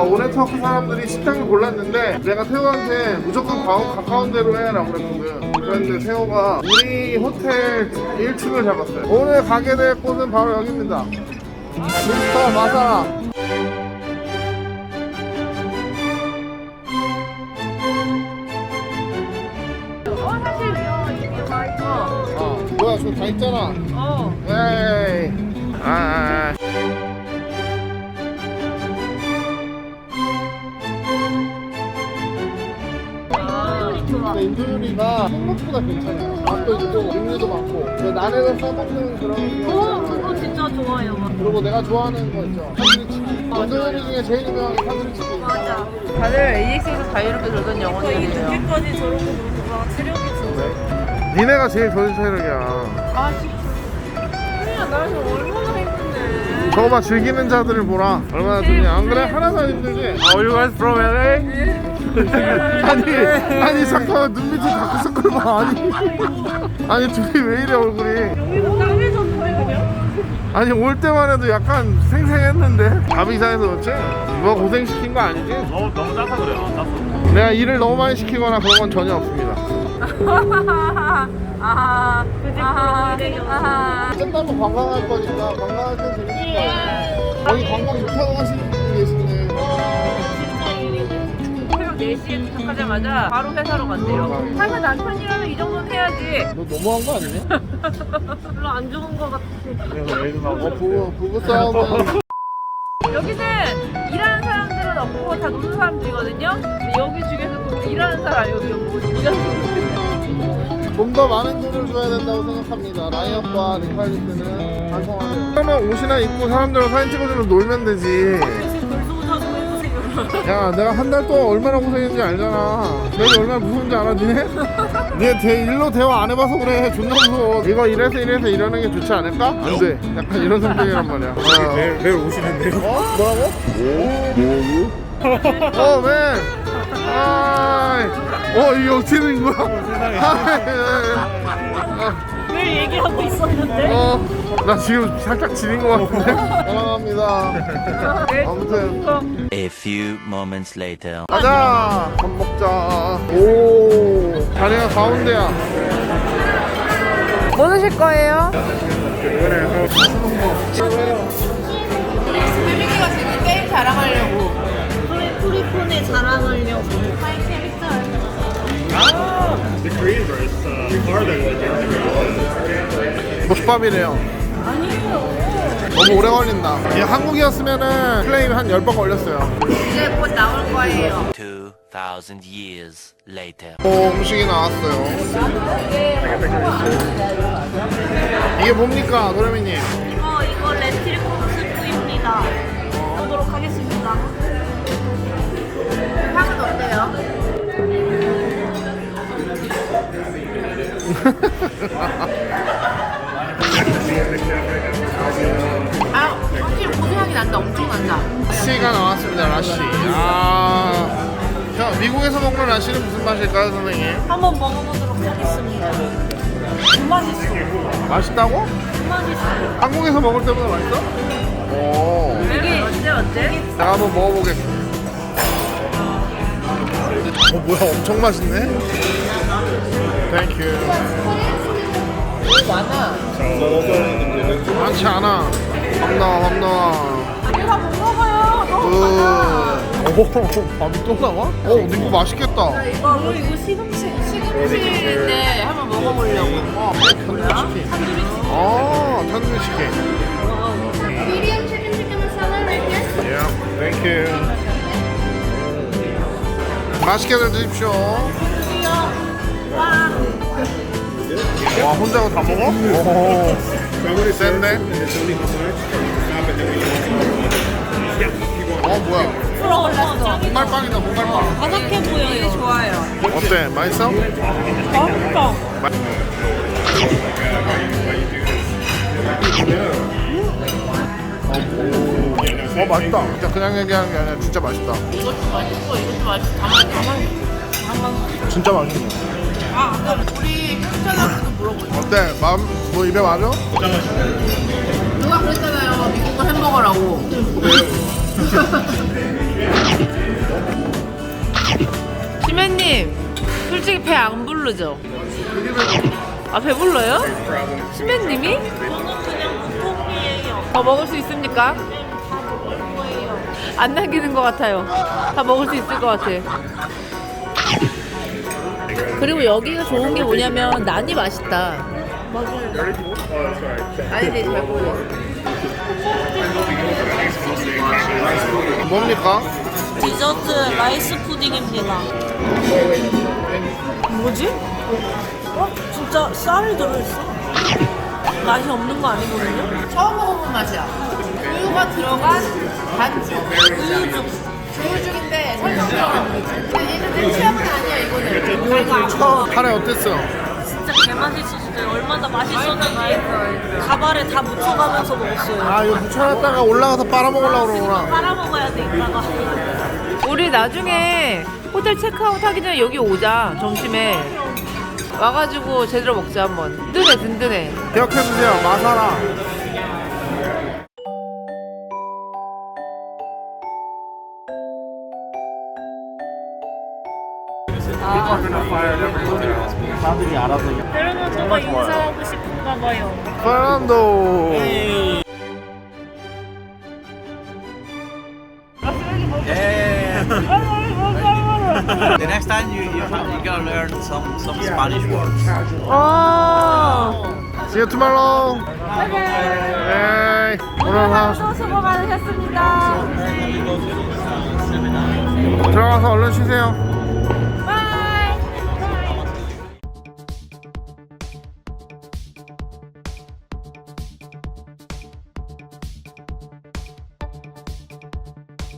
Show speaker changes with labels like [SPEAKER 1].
[SPEAKER 1] 온네트워크 사람들이 식당을 골랐는데 내가 태호한테 무조건 가까운 데로 해라고 그랬거든. 그런데 태호가 우리 호텔 1층을 잡았어요. 오늘 가게 될 곳은 바로 여기입니다. 미스터 마사라. 뭐야, 저기 다 있잖아. 에이. 근데 인도요리가 생각보다 괜찮아요. 맛도 있고 종류도 많고 난에서 싸먹는 그런
[SPEAKER 2] 그거 진짜 좋아요.
[SPEAKER 1] 그리고 내가 좋아하는 거 있죠, 탄두리 치킨. 인도요리 중에 제일 유명한 게 탄두리 치킨.
[SPEAKER 2] 맞아.
[SPEAKER 3] 다들 AX에서 자유롭게 놀던 영혼이에요.
[SPEAKER 2] 늦게까지 저러고 놀다가 체력이 진짜.
[SPEAKER 1] 니네가 제일 좋은 체력이야.
[SPEAKER 2] 아 진짜. 그냥 나 지금 얼마나 힘든데.
[SPEAKER 1] 저거 봐, 즐기는 자들을 보라. 얼마나 좋냐. 안 그래? 하나도 안 힘들지? Are you guys from LA? 아니 잠깐만, 눈밑이 다크서클 봐. 아니 둘이 왜 이래 얼굴이.
[SPEAKER 2] 여기서 까매졌어요 그냥.
[SPEAKER 1] 아니 올 때만 해도 약간 생생했는데 밥 이상해서 그렇지? 누가 고생시킨 거 아니지?
[SPEAKER 4] 너무 짜서 그래요. 짜서.
[SPEAKER 1] 내가 일을 너무 많이 시키거나 그런 건 전혀 없습니다. 끝나면 관광할 거니까 관광할 땐 재밌을 거예요. 거기 관광 못하고 가시는 분이 계시네.
[SPEAKER 3] 새벽 4시에 도착하자마자 바로 회사로 간대요. 사실 남편이라면 이 정도는 해야지.
[SPEAKER 1] 너 너무한 거 아니냐?
[SPEAKER 2] 별로 안 좋은 거 같아.
[SPEAKER 1] 부부싸움은
[SPEAKER 3] 여기는 일하는 사람들은 없고 다 노는 사람들이거든요. 근데 여기 중에서도 일하는 사람 여기 없고
[SPEAKER 1] 좀 더 많은 돈을 줘야 된다고 생각합니다. 라이언과 리칼리스는 반성하세요. 그러면 옷이나 입고 사람들과 사진 찍어주면 놀면 되지. 야, 내가 한 달 동안 얼마나 고생했는지 알잖아. 내가 얼마나 무서운지 알아, 니네? 니네 일로 대화 안 해봐서 그래. 존나 무서워. 이거 이래서 이러는 게 좋지 않을까? 안 돼. 약간 이런 성격이란 말이야.
[SPEAKER 4] 내일 오시는데요?
[SPEAKER 1] 뭐라고? 맨. 이게 어떻게 된 거야?
[SPEAKER 2] 늘 얘기하고 있었는데.
[SPEAKER 1] 나 지금 살짝 지린 것 같은데? 사랑합니다. 아무튼
[SPEAKER 5] A few moments later.
[SPEAKER 1] 가자. 밥 먹자. 오, 자리가 가운데야.
[SPEAKER 3] 뭐 드실 거예요? 혜민이가 지금 게임 자랑하려고.
[SPEAKER 2] 프리폰에 자랑하려고.
[SPEAKER 4] The Korean verse are the
[SPEAKER 1] 족밥이래요.
[SPEAKER 2] 아니에요.
[SPEAKER 1] 너무 오래 걸린다. 이게 한국이었으면은 플레이 한 10번 걸렸어요.
[SPEAKER 3] 이제 곧 나올 거예요.
[SPEAKER 5] 2,000 years later.
[SPEAKER 1] 오, 음식이 나왔어요. 이게 뭡니까, 도레미님?
[SPEAKER 2] 이거 렌틸콩 스프입니다. 보도록 하겠습니다.
[SPEAKER 3] 향은 어때요? 확실히 고소향이 난다. 엄청 난다.
[SPEAKER 1] 라시가 나왔습니다, 라시. 형, 미국에서 먹는 라시는 무슨 맛일까요, 선생님?
[SPEAKER 2] 한번 먹어보도록 하겠습니다. 맛있어.
[SPEAKER 1] 맛있다고?
[SPEAKER 2] 맛있어.
[SPEAKER 1] 한국에서 먹을 때보다 맛있어? 오.
[SPEAKER 3] 이게 어때?
[SPEAKER 1] 내가 한번 먹어보겠습니다. 뭐야, 엄청 맛있네? 땡큐.
[SPEAKER 3] 많아.
[SPEAKER 1] 많지 않아. 밥 나와.
[SPEAKER 2] 이거 못 먹어요. 너무 많아.
[SPEAKER 1] 오, 밥이 또 나와? 근데 이거 맛있겠다.
[SPEAKER 2] 이거 시금치인데
[SPEAKER 3] 한번 먹어보려고.
[SPEAKER 1] 탄두리 치킨. 탄두리 치킨.
[SPEAKER 6] Medium chicken tikka masala right here.
[SPEAKER 1] Yeah, 땡큐. 맛있게들 드십시오. 와, 혼자 다 먹어? 오, 센데? 뭐야.
[SPEAKER 2] 풀어올랐어.
[SPEAKER 1] 목말빵이다, 목말빵.
[SPEAKER 2] 바삭해 보여요.
[SPEAKER 3] 좋아요.
[SPEAKER 1] 어때? 맛있어?
[SPEAKER 2] 맛있다.
[SPEAKER 1] 맛있다. 진짜 그냥 얘기하는 게 아니라 진짜 맛있다.
[SPEAKER 3] 이것도 맛있고 이것도 맛있고 다 맛있어.
[SPEAKER 1] 진짜 맛있네.
[SPEAKER 3] 아까 우리 편찬하고도 물어보자.
[SPEAKER 1] 어때? 뭐 입에 맞아?
[SPEAKER 3] 누가 그랬잖아요. 미국 거 햄버거라고.
[SPEAKER 1] 그래요.
[SPEAKER 3] 시맨님 솔직히 배 안 부르죠? 아 배불러요? 시맨님이?
[SPEAKER 2] 저는 그냥 보통이에요.
[SPEAKER 3] 더 먹을 수 있습니까?
[SPEAKER 2] 다 먹을 거예요.
[SPEAKER 3] 안 남기는 것 같아요. 다 먹을 수 있을 것 같아. 그리고 여기가 좋은 게 뭐냐면 난이 맛있다. 난이 되게 잘 보여.
[SPEAKER 1] 뭡니까?
[SPEAKER 2] 디저트 라이스 푸딩입니다. 뭐지? 진짜 쌀이 들어있어. 맛이 없는 거 아니거든요?
[SPEAKER 3] 처음 먹어본 맛이야. 우유가 들어간 반죽. 우유죽인데 설탕. 근데 얘는 취향은 아니야 이거는.
[SPEAKER 1] 카레 어땠어?
[SPEAKER 2] 진짜 개맛있었어요. 얼마나 맛있었는지 가발에 다 묻혀가면서 먹었어요.
[SPEAKER 1] 아 이거 묻혀놨다가 올라가서 빨아먹으려고 그러구나.
[SPEAKER 2] 빨아먹어야 돼 이따가.
[SPEAKER 3] 우리 나중에 호텔 체크아웃 하기 전에 여기 오자. 점심에 와가지고 제대로 먹자 한번. 든든해 든든해.
[SPEAKER 1] 기억해주세요. 마사라.
[SPEAKER 2] 페르난도가 인사하고 싶은가 봐요.
[SPEAKER 1] 페르난도.
[SPEAKER 7] The next time you gotta learn some Spanish words.
[SPEAKER 1] See you tomorrow. 네. 오늘
[SPEAKER 3] 수고 많으셨습니다.
[SPEAKER 1] 들어가서 얼른 쉬세요.